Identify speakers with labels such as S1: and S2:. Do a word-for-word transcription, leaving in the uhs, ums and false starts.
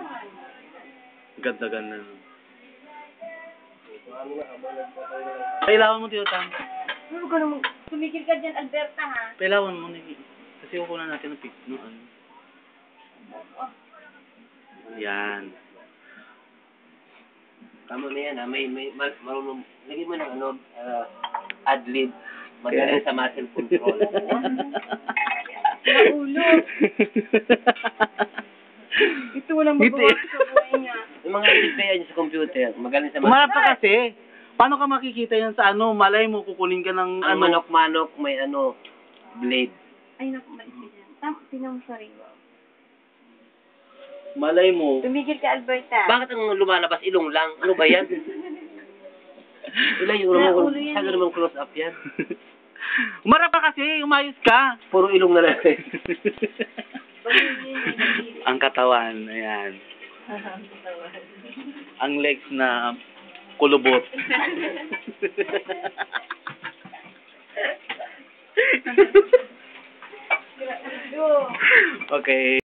S1: Ganda-ganda. Pailawan mo, Tio Tam.
S2: Ano ka naman? Tumigil ka dyan, Alberta, ha?
S1: Pailawan mo, Niki. Kasi kukunan natin ng pic. No, ano. Yan.
S3: Tama na yan, ha? May, may, mar marunong, lagyan mo ng ano, uh, ad-lib. Magaling sa muscle control.
S2: Naulo. Ito walang magawa sa buhay niya.
S3: Yung mga ad-lib kaya niya sa computer, magaling sa muscle.
S1: Kumarap ka kasi. Paano ka makikita yan sa ano? Malay mo, kukunin ka ng
S3: Ang
S1: ano.
S3: manok-manok, may ano, blade.
S2: Ay, naku, malis ka dyan. Tam, tinang sorry.
S1: Malay mo.
S2: Tumigil ka, Alberta.
S3: Bakit ang lumalabas ilong lang? Ano ba yan? Ilan yung ulo mo? Saan naman close up yan?
S1: Umarap ka kasi, umayos ka.
S3: Puro ilong na lang.
S1: Ang katawan, ayan. Ang legs na kulubot. Okay.